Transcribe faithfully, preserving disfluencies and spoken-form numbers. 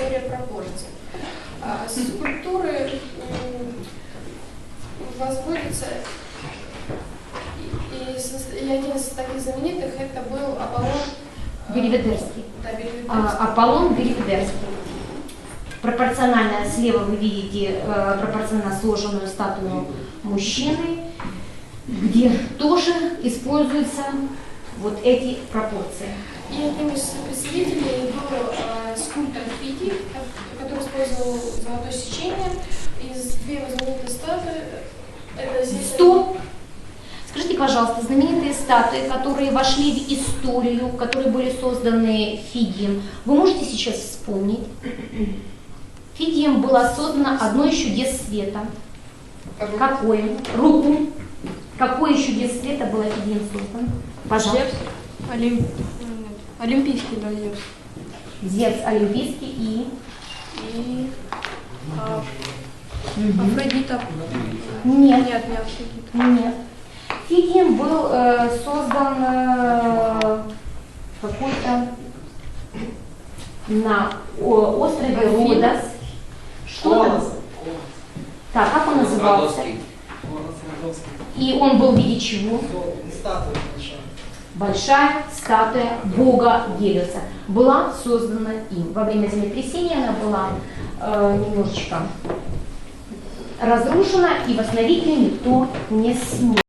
теория пропорций. Скульптуры возводятся, и, и один из таких знаменитых это был Аполлон Беливедерский. Да, Беливедерский. А, Аполлон Беливедерский. Пропорционально слева вы видите э, пропорционально сложенную статую мужчины, где тоже используются вот эти пропорции. И одним из представителей был э, скульптор Фидий, который использовал золотое сечение. Из две его знаменитые статуи. Это здесь... Стоп! Скажите, пожалуйста, знаменитые статуи, которые вошли в историю, которые были созданы Фидием, вы можете сейчас вспомнить? Фидием было создано одно из чудес света. Какое? Руку. Какое из чудес света было Фидием создано? Пожалуйста. Олимп... Олимпийский, да, Зевс. Зевс олимпийский и... И... А... Афродита. Нет. Нет, не Афродита. Нет. Фидием был э, создан э, какой-то на о, острове Родос. Что? Так, как он назывался? И он был в виде чего? Статуя большая. Большая статуя бога Гелиоса. Была создана им. Во время землетрясения она была э, немножечко разрушена, и восстановить ее никто не смог.